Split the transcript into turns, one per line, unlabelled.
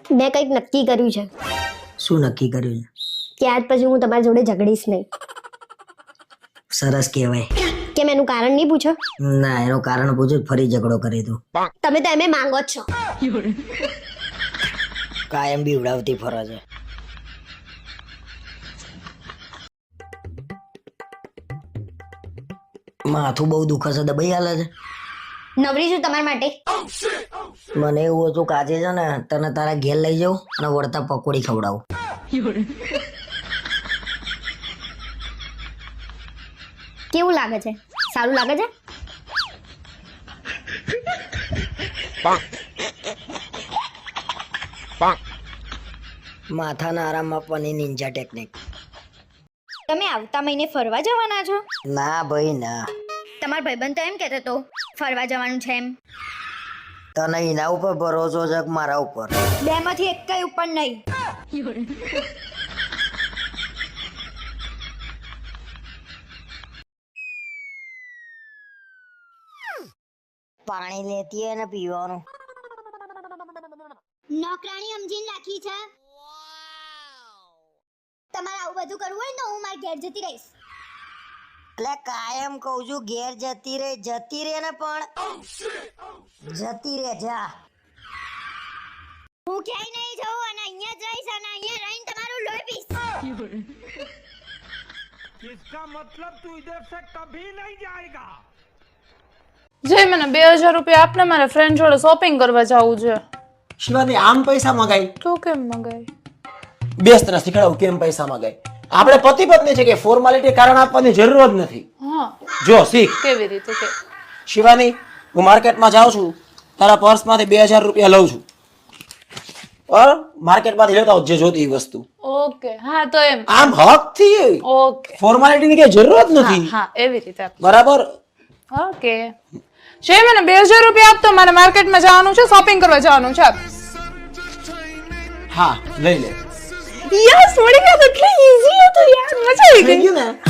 મેં કંઈક નક્કી કર્યું છે.
શું નક્કી કર્યું છે?
કે આજ પછી હું તમારી જોડે ઝઘડીશ નહીં.
સરસ કહેવાય.
કેમ એનું કારણ નહીં પૂછો?
ના, એનું કારણ પૂછ્યું ફરી ઝઘડો કરી તું.
તમે તો એમે માંગો જ છો.
કાયમ બી ઉડાવતી ફરો છે. માથું બહુ દુખે છે, દબાઈ હાલે છે.
નવરી છું તમારા માટે.
મને એવું હતું કે આજે છે ને તને તારા ઘેર લઈ જાઉં અને વળતા પકોડી ખવડાવું.
કેવું લાગે છે? સારું લાગે છે?
માથાના આરામ આપવાની નિંજા ટેકનિક.
તમે આવતા મહિને ફરવા જવાના છો?
ના ભાઈ ના.
તમારો ભાઈબંધ તો એમ કહેતો હતો ફરવા જવાનું છે એમ.
તને એના ઉપર ભરોસો છે કે મારા ઉપર?
બેમાંથી એક કઈ ઉપર નહીં.
પાણી લેતી હોય ને પીવાનું.
નોકરાણી સમજીને રાખી છે. તમારે આવું બધું કરવું હોય ને હું મારી ઘેર જતી રહીશ.
એટલે કાયમ કહું છું ઘેર જતી રે ને પણ જતી રે જા.
હું ક્યાંય નહીં જઉં અને અહીંયા જ રહીશ અને અહીંયા રહીને તમારું લોહી પીશ.
इसका मतलब तू इधर से कभी नहीं जाएगा.
જે મને 2000 રૂપિયા આપને, મારા ફ્રેન્ડ જોડે શોપિંગ કરવા જવું છે.
શિવાની આમ પૈસા મગાઈ?
તું કેમ મગાઈ?
બેસ તને શીખડાવું કેમ પૈસા મગાઈ. આપણે પતિ પત્ની છે કે ફોર્માલિટી કારણ આપવાની જરૂર જ નથી.
હા,
જો શીખ.
કેવી રીતે કે?
શિવાની, હું માર્કેટમાં જાઉં છું, તારા પર્સમાંથી 2000 રૂપિયા લઉં છું. માર્કેટમાંથી લેતા આવ જે જોતી એ વસ્તુ.
ઓકે, હા તો એમ.
આમ હકથી.
ઓકે,
ફોર્માલિટીની કઈ જરૂર જ નથી.
હા એવી રીતે.
બરાબર.
ઓકે, જે મને 2000 રૂપિયા આપતો, મારે માર્કેટમાં જવાનું છે, શોપિંગ કરવા જવાનું છે.
હા લઈ લે.
યસ, મળી ગયો. એટલી ઈઝી હતું યાર, મજા આવી
થઈ
ગઈ.
ગયું ને?